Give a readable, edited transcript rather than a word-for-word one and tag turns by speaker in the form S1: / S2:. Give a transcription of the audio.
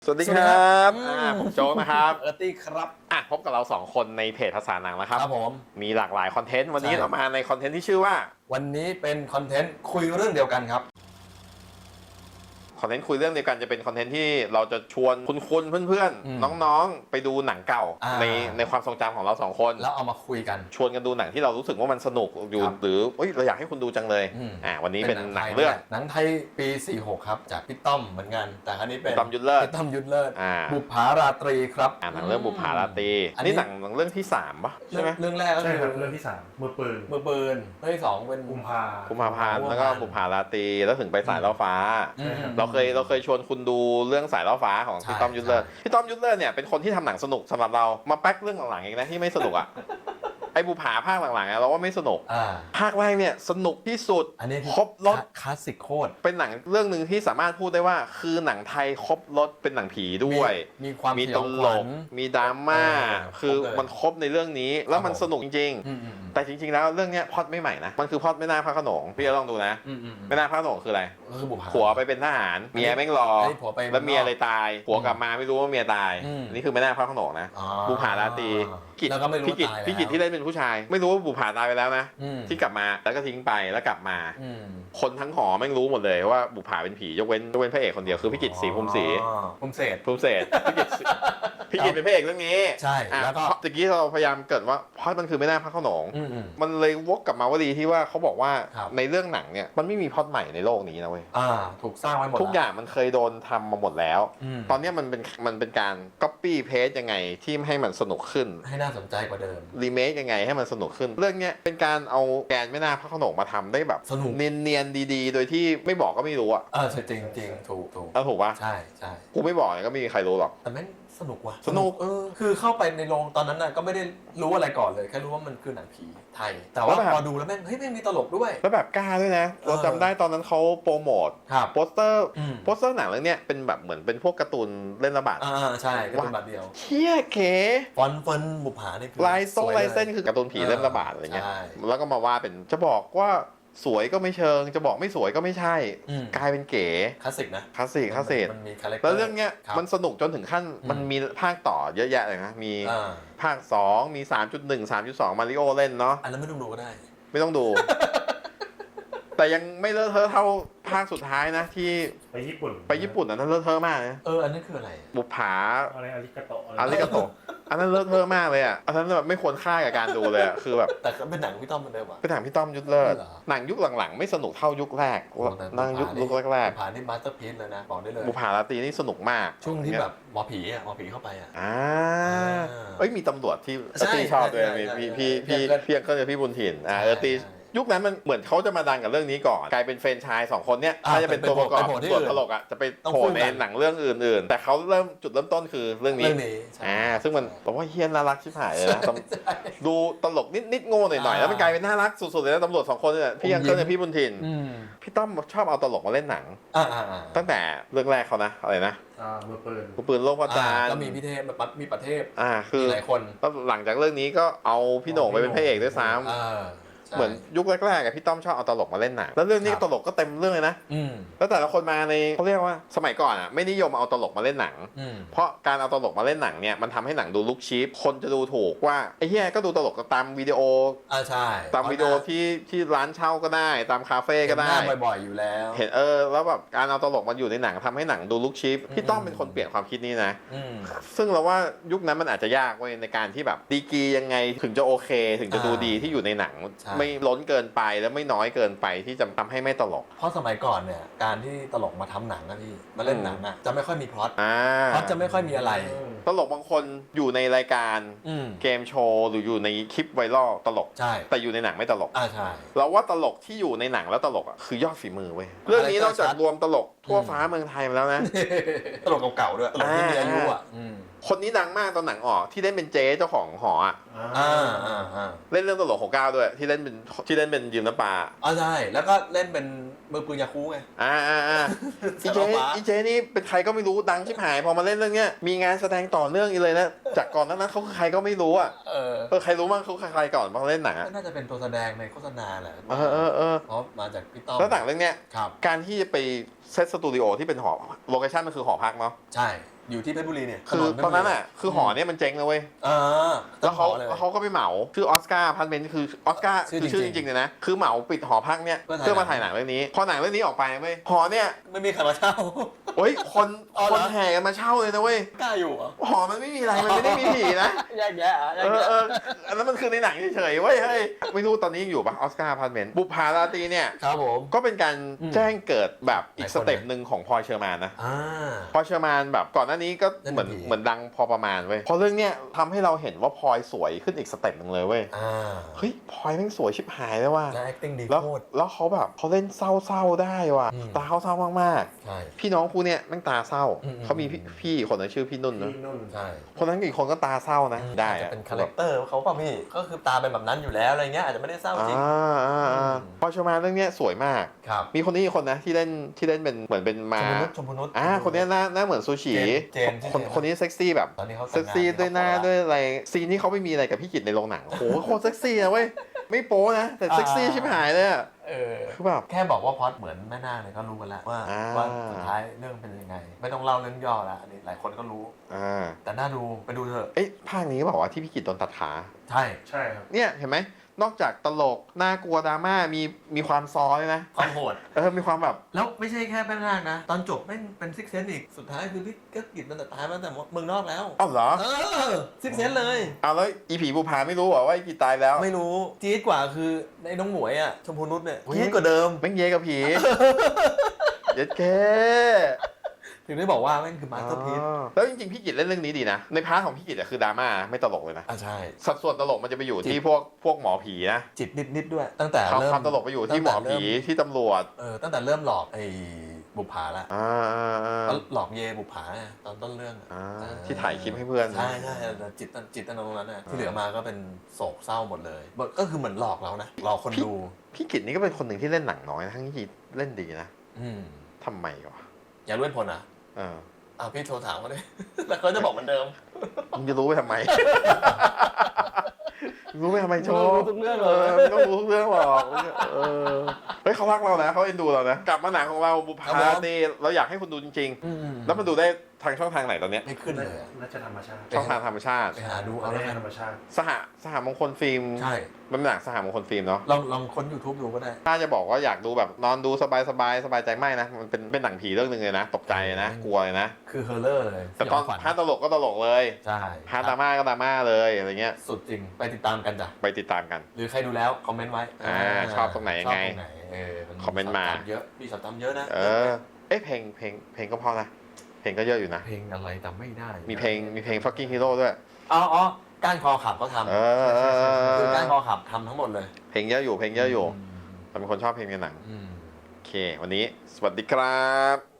S1: สวัสดีครับผมโจ๊กนะครับ
S2: ตี้ครับ
S1: พบกับเรา2คนในเพจภาษาหนังนะครับ
S2: ครับผม
S1: มีหลากหลายคอนเทนต์วันนี้เรามาในคอนเทนต์ที่ชื่อว่า
S2: วันนี้เป็นคอนเทนต์คุยเรื่องเดียวกันครับ
S1: คอนเทนต์คุยเรื่องเดียวกันจะเป็นคอนเทนต์ที่เราจะชวนคุณเพื่อนๆน้องๆไปดูหนังเก่าในความทรงจำของเรา2คน
S2: แล้วเอามาคุยกัน
S1: ชวนกันดูหนังที่เรารู้สึกว่ามันสนุกอยู่หรือเราอยากให้คุณดูจังเลยวันนี้เป็นหนังเรื่อง
S2: หนังไทยปี46ครับจากพี่ต้อมเหมือนกันแต่ครั้นี้เป็น
S1: ต้อมยุทธเลิศ
S2: บุปผาราตรีครับ
S1: หนังเรื่องบุปผาราตรีอันนี้หนังเรื่องที่3ป่ะใช่ไหม
S2: เรื่องแรกก็คือ
S3: เรื่องที่3มือปืน
S2: เรื่องที่2เป็น
S1: กุมภาพันธ์แล้วก็บุปผาราตรีแล้วถึงไปสายล่อฟ้าเราเคยชวนคุณดูเรื่องสายล่อฟ้าของพี่ต้อมยุทธเลิศพี่ต้อมยุทธเลิศเนี่ยเป็นคนที่ทำหนังสนุกสำหรับเรามาแป๊กเรื่องหลังๆเองนะที่ไม่สนุกอ่ะไอ้บุปผาภาคหลังๆเราว่าไม่สนุกภาคแรกเนี่ยสนุกที่สุดครบรส
S2: คลาสสิกโคตร
S1: เป็นหนังเรื่องนึงที่สามารถพูดได้ว่าคือหนังไทยครบรสเป็นหนังผีด้วย
S2: มี
S1: ตลกมีดราม่าคือมันครบในเรื่องนี้แล้วมันสนุกจริงๆแต่จริงๆแล้วเรื่องนี้พล็อตไม่ใหม่นะมันคือพล็อตแม่นาคพระโขนงพี่จะลองดูนะแม่นาคพระโขนงคืออะไรผัวไปเป็นทหารเมียแม่งรอแล้วเมียเลยตายผัวกลับมาไม่รู้ว่าเมียตายนี่คือแม่นาคพระโขนงนะบุปผาราตรีพี่กิจที่เล่นเป็นผู้ชายไม่รู้ว่าบุปผาตายไปแล้วนะที่กลับมาแล้วก็ทิ้งไปแล้วกลับมาคนทั้งหอแม่งรู้หมดเลยว่าบุปผาเป็นผียกเว้นพระเอกคนเดียวคือพี่กิจศรีภูมิศรี
S2: ภูมิเศษ
S1: พี่กิจเป็นพระเอกเรื่องนี้
S2: ใช่แล้วก็
S1: ตะกี้เราพยายามเกิดว่าเพราะมันคือแม่นาคพระโขนงมันเลยวกกลับมาวลีที่ว่าเขาบอกว่าในเรื่องหนังเนี่ยมันไม่มีพล็อตใหม่ในโลกนี้นะเว้ย
S2: ถูกสร้างไว้หมด
S1: ทุกอย่างมันเคยโดนทำมาหมดแล้วตอนนี้มันเป็นการ copy paste ยังไงที่ให้มันสนุกขึ้น
S2: ให้น่าสนใจกว่าเดิม
S1: รีเมคยังไงให้มันสนุกขึ้นเรื่องเนี้ยเป็นการเอาแกนแม่นาคพระโขนงมาทำได้แบบ
S2: สนุก
S1: เนียนๆดีๆโดยที่ไม่บอกก็ไม่รู้อ่ะ
S2: จริงถูก
S1: ถูกป่ะ
S2: ใช่
S1: กูไม่บอกก็ไม่มีใครรู้หรอก
S2: แต่แม่งสนุกว่ะ
S1: สนุก
S2: คือเข้าไปในโรงตอนนั้นน่ะก็ไม่ได้รู้อะไรก่อนเลยแค่รู้ว่ามันคือหนังผีไทยแต่ว่าพอดูแล้วแม่งแม่งมีตลกด้วย
S1: แล้วแบบกล้าด้วยนะเราจำได้ตอนนั้นเขาโปรโมทโปสเตอร์หนังเรื่องเนี้ยเป็นแบบเหมือนเป็นพวกการ์ตูนเล่นระบาด
S2: ใช่การ์ตูนบาทเดียว
S1: เชี่ยเก๋
S2: ฟอนบุปผาเนี่ย
S1: ลายเส้นคือการ์ตูนผีเล่นระบาดอะไรเงี้ยแล้วก็มาว่าเป็นจะบอกว่าสวยก็ไม่เชิงจะบอกไม่สวยก็ไม่ใช่กลายเป็นเก๋
S2: คลาสสิกนะ
S1: คลาสสิก
S2: มันมีคาแรคเตอร์
S1: แล้วเรื่องเนี้ยมันสนุกจนถึงขั้นมันมีภาคต่อเยอะแยะเลยนะมีภาค2มี 3.1 3.2 มาริโอเล่นเนาะ
S2: อันนั้นไม่ต้องดูก็ได้
S1: ไม่ต้องดู แต่ยังไม่เลอะเทอะเท่าภาคสุดท้ายนะที่
S3: ไปญี่ปุ่
S1: นนั้นเลอะเทอะมากนะ
S2: อันนั้นคืออะไร
S1: บุปผา
S3: อะไรอาริกาโต
S1: อันนั้นเลอะเทอะมากเลยอ่ะอันนั้นแบบไม่ควรค่ากับการดูเลยอ่ะคือแบบ
S2: แต่เป็นหนังพี่ต้อมเหมือนเดิมอ่ะ
S1: เป็นหนังพี่ต้อมยุทธเลิศหนังยุคหลังๆไม่สนุกเท่ายุคแรกนั่งยุคแรก
S2: บุปผานี่มาสเตอร์พีซเลยนะบอกได้เลย
S1: บุปผาราตรีนี่สนุกมาก
S2: ช่วงที่แบบหมอผีเข้าไป
S1: มีตำรวจที่ตีชอบด้วยพี่ก็จะพี่บุญถิ่นตียุคนั้นมันเหมือนเขาจะมาดังกับเรื่องนี้ก่อนกลายเป็นแฟรนไชส์2คนเนี้ยถ้าจะเป็นตัวประกอบส่วนตลกอ่ะจะไปโผล่ในหนังเรื่องอื่นๆแต่เขาจุดเริ่มต้นคือเรื่องนี้ซึ่งมันบอกว่าเฮี้ยนน่ารักชิบหายเลยนะดูตลกนิดโง่หน่อยๆแล้วมันกลายเป็นน่ารักสุดๆเลยนะตำรวจ2คนเนี่ยพี่ยังเคิลกับพี่บุญถิ่นพี่ต้อมชอบเอาตลกมาเล่นหนังตั้งแต่เรื่องแรกเขานะอะไรนะ
S3: มือ
S1: ปืนโลกพระจันทร์
S2: แล้วมีพี่เทพมีประเทศ
S1: คือ
S2: หลายคน
S1: แล้วหลังจากเรื่องนี้ก็เอาพี่โหน่งไปเป็นพระเอกด้วยซ้ำเหมือนยุคแรกๆพี่ต้อมชอบเอาตลกมาเล่นหนังแล้วเรื่องนี้ตลกก็เต็มเรื่องเลยนะแล้วแต่ละคนมาในเขาเรียกว่าสมัยก่อนไม่นิยมเอาตลกมาเล่นหนังเพราะการเอาตลกมาเล่นหนังเนี่ยมันทำให้หนังดูลุคชีพคนจะดูถูกว่าไอ้เหี้ยก็ดูตลกตามวิดีโอ
S2: ใช่
S1: ตามวิดีโอที่ร้านเช่าก็ได้ตามคาเฟ่ก็ได้
S2: บ่อยๆอยู่แล้ว
S1: เห็นแล้วแบบการเอาตลกมาอยู่ในหนังทำให้หนังดูลุคชีพพี่ต้อมเป็นคนเปลี่ยนความคิดนี้นะซึ่งเราว่ายุคนั้นมันอาจจะยากเว้ยในการที่แบบดีกรียังไงถึงจะโอเคถึงจะดูดีที่อยู่ในหนังไม่ล้นเกินไปแล้วไม่น้อยเกินไปที่จะทำให้ไม่ตลก
S2: เพราะสมัยก่อนเนี่ยการที่ตลกมาทำหนังนะพี่มาเล่นหนังจะไม่ค่อยมีพล็อตจะไม่ค่อยมีอะไร
S1: ตลกบางคนอยู่ในรายการเกมโชว์หรืออยู่ในคลิปไวรัลตลก
S2: ใช่
S1: แต่อยู่ในหนังไม่ตลก
S2: ใช่
S1: เราว่าตลกที่อยู่ในหนังแล้วตลกคือยอดฝีมือเว้ยเรื่องนี้นอกจากรวมตลกทั่วฟ้าเมืองไทยมาแล้วนะ
S2: ตลกเก่าๆด้วยตลกที่มีอายุ
S1: คนนี้ดังมากตอนหนังออกที่เล่นเป็นเจ๊เจ้าของหอเล่นเรื่องตลก69ด้วยที่เล่นเป็นยืมน้ำปลา
S2: ใช่แล้วก็เล่นเป็นมือปืนยาคูไง
S1: อีเจนี่เป็นใครก็ไม่รู้ดังชิบหายพอมาเล่นเรื่องเนี้ยมีงานแสดงต่อเนื่องอีเลยนะจากก่อนนั้นเขาคือใครก็ไม่รู้ใครรู้บ้างเขาใครก่อนพอเล่นหนัง
S2: น่าจะเป็นตัวแสดงในโฆษณาแหละเพราะมาจากพี่ต้อม
S1: แล้วหนังเรื่องเนี้ยการที่จะไปเซตสตูดิโอที่เป็นหอโลเคชั่นมันคือหอพักเนาะ
S2: ใช่อยู่ที่เพชรบุรีเนี่ย
S1: คือตอนนั้นอ่ะคือหอเนี่ยมันเจ๊งเลยเว้ย
S2: อ่า
S1: แล้วเขา
S2: เลย
S1: เขาก็ไปเหมาชื่อออสการ์อพาร์ตเมนต์คือออสการ์
S2: ชื่อ
S1: คือชื่อ
S2: จ
S1: จ
S2: ริงๆ
S1: ริงๆเลยนะคือเหมาปิดหอพักเนี่ย
S2: เพื่
S1: เพื่
S2: อ
S1: อ
S2: ถ่าย
S1: มาถ่ายหนังเรื่องนี้พอหนังเรื่องนี้ออกไปเว้ยหอเนี่ย
S2: ไม่มีใครมาเช่า
S1: โอ้ยคน
S2: อ๋อเหรอ
S1: แห่กันมาเช่าเลยนะเว้ย
S2: กล้าอยู่เหรอ
S1: หอมันไม่มีอะไรมันไม่ได้มีผีนะ
S2: แยกแยะแยกแยะ
S1: อันนั้นมันคือในหนังเฉยๆเว้ยเฮ้ยไม่รู้ตอนนี้ยังอยู่ปะออสการ์อพาร์ตเมนต์บุปผาราตรีเนี่ย
S2: ครับผม
S1: ก็เป็นการ
S2: อืม
S1: แจ้งเกิดแบบอี
S2: หลาก ย
S1: ส
S2: คน
S1: เต็ป
S2: นะ
S1: หนึ่งของพลอยเชอร์มานนะ
S2: อ่า
S1: พลอยเชอร์มานแบบก่อนหน้านี้ก็
S2: เล่น
S1: เหมือน
S2: เป็นผี
S1: เหมือนดังพอประมาณเว้ยพอเรื่องเนี้ยทำให้เราเห็นว่าพลอยสวยขึ้นอีกสเต็ปหนึ่งเลยเว้ย
S2: อ่า
S1: เฮ้ยพลอยแม่งสวยชิบหายเลยว่ะ
S2: และ acting ดี
S1: แล้ว
S2: โคตร
S1: แล้วเขาแบบเขาเล่นเศร้าๆได้ว่ะ
S2: อืม
S1: ตาเขาเศร้ามาก
S2: ใช่
S1: ๆพี่น้องคู่เนี้ยแม่งตาเศร้า
S2: อืม
S1: เขามีพี่คนนั้นชื่อพี่นุ่นนะ
S3: ที่นุ่น
S2: ใช่
S1: คนนั้นอีกคนก็ตาเศร้านะได้
S2: อาจจะ
S1: อะ
S2: เป็นคาแรคเตอร์เขาเปล่าพี่ก็คือตาเป็นแบบนั้นอยู่แล้วอะไรเงี้ยอาจจะไม่ได้เศร้าจริง
S1: พลอยเชอร์มานเรื่องเนี้ยสวยมาก
S2: ครับ
S1: มีคนนี้อีกคนนะที่เล่นเป็นเหมือนเป็นมา
S2: ชมพูนุช
S1: คนนี้หน้าเหมือนซูชิ
S2: เจนชื่อ
S1: คน
S2: เจน
S1: คนนี้เซ็กซี่แบบ
S2: ตอนนี้เขาแต่
S1: เซ็
S2: ง
S1: ก
S2: งาน
S1: ซี่ด้วยหน้า
S2: มีครอบครัว
S1: ด้วยอะไรซีนที่เขาไม่มีอะไรกับพี่กิตในโรงหนังโอ้โหโคตรเซ็กซี่นะเว้ยไม่โป๊นะแต่เซ็กซี่ชิบหายเลยอะ
S2: เออ
S1: คือแบบ
S2: แค่บอกว่าพล็อดเหมือนแม่นาคเนี่ยก็รู้กันแล้วว่า
S1: อ่า
S2: ว่าสุดท้ายเรื่องเป็นยังไง ไม่ต้องเล่าเรื่องย่อละอันนี้หลายคนก็รู้ แต่น่าดูไปดูเถอะ
S1: เอ้ยภาคนี้ก็บอกว่าที่พี่กิตโดนตัดขา
S2: ใช่
S3: ใช่ครับ
S1: เนี่ยเห็นไหมนอกจากตลกน่ากลัวดราม่ามีความซอเลยนะ
S2: ความโหด
S1: มีความแบบ
S2: แล้วไม่ใช่แค่แม่นาคนะ ตอนจบแม่งเป็นซิกเซนอีกสุดท้ายคือพี่ก็กิจมันแต่ตายมาตั้งแต่เมืองนอกแล้ว
S1: อ้าวเหรอ
S2: ซิกเซนเลย
S1: เอาแล้วอีผีบุพาไม่รู้เหรอว่าอีกิตตายแล้ว
S2: ไม่รู้จี๊ดกว่าคือในน้องหมวยอ่ะชมพูนุชเนี่ยจี๊ดกว่าเดิม
S1: แม่งเยกับผีเย็ดแค่
S2: ถึงได้บอกว่าแม่งคือมาสเตอร์พีซ
S1: แล้วจริงๆพี่กิตเล่นเรื่องนี้ดีนะในพาร์ทของพี่กิตอะคือดราม่าไม่ตลกเลยนะ
S2: ใช่
S1: สัดส่วนตลกมันจะไปอยู่ที่พวกหมอผีนะ
S2: จิตนิดด้วย ตั้งแต่
S1: ความ
S2: เริ่ม
S1: ความตลกไปอยู่ที่หมอผีที่ตำรวจ
S2: ตั้งแต่เริ่มหลอกไอ้บุปผาละ
S1: อ่า
S2: ก็หลอกเยบุปผาไงตอนต้นเรื่องอะ
S1: ที่ถ่ายคลิปให้เพื่อน
S2: ใช่จิตตรงนั้นนะที่เหลือมาก็เป็นโศกเศร้าหมดเลยก็คือเหมือนหลอกเรานะหลอกคนดู
S1: พี่กิตนี่ก็เป็นคนหนึ่งที่เล่นหนังน้อยนะทั้งที่เล่นดีนะ
S2: อืม
S1: ทำไมวะ
S2: อย่ารู้เหตุผลอ่ะ
S1: เออ
S2: พี่โทรถามเขาเลย แล้วเขาจะบอกเหมือนเดิม
S1: มึงจะรู้ไปทำไม รู้ไปทำไมโช
S2: รู้ทุกเรื่องเลย
S1: ไม่ต้องรู้ทุกเรื่องหรอกเฮ้ยเขารักเรานะเขาเอ็นดูเรานะกลับมาหนังของเราบุพ
S2: ครับ
S1: า
S2: ผม
S1: ตีเราอยากให้คุณดูจริงๆ แล้วมันดูได้ทางช่องทางไหนตอนเนี้ย
S2: ไม่ขึ้นเลยอะ
S3: น่าจะธรรมชาติ
S1: ช่องทางธรรมชาติ
S2: ไปหาดู
S3: เอา
S2: เอา
S3: ได้
S2: แล้วกัน
S3: ธรรมชาติ
S1: สหมงคลฟิล์ม
S2: ใช่
S1: มันเป็นหนังสหมงคลฟิล์มเนาะ
S2: ลองค้น YouTube ดูก็ได้
S1: ถ้าจะบอกว่าอยากดูแบบนอนดูสบายใจไม่นะมันเป็นหนังผีเรื่องหนึ่งเลยนะตกใจนะกลัวเลยนะ
S2: คือเฮอร์เลอร์เลย
S1: แต่ตอน
S2: สยงขวัญ
S1: พาร์ทตลกก็ตลกเลย
S2: ใช่
S1: พาร์ทดราม่าก็ดราม่าเลยอะไรเงี้ย
S2: สุดจริงไปติดตามกันจ้ะ
S1: ไปติดตามกัน
S2: หรือใครดูแล้วคอมเมนต์ไว้
S1: ชอบตรงไหนยังไง
S2: ชอบตรงไหน
S1: คอมเมนต์มา
S2: ช็ตเยอะมีช็อตตามเยอะนะ
S1: เพลงก็พอนะเพลงก็เยอะอยู่นะ
S2: เพลงอะไรจำไม่ได้
S1: มีเพลง fucking hero ด้วย
S2: อ๋อก้านคอขับเขาทำคือก้านคอขับทำทั้งหมดเลย
S1: เพลงเยอะอยู่แต่เป็นคนชอบเพลงในหนัง
S2: อืม
S1: โอเค วันนี้สวัสดีครับ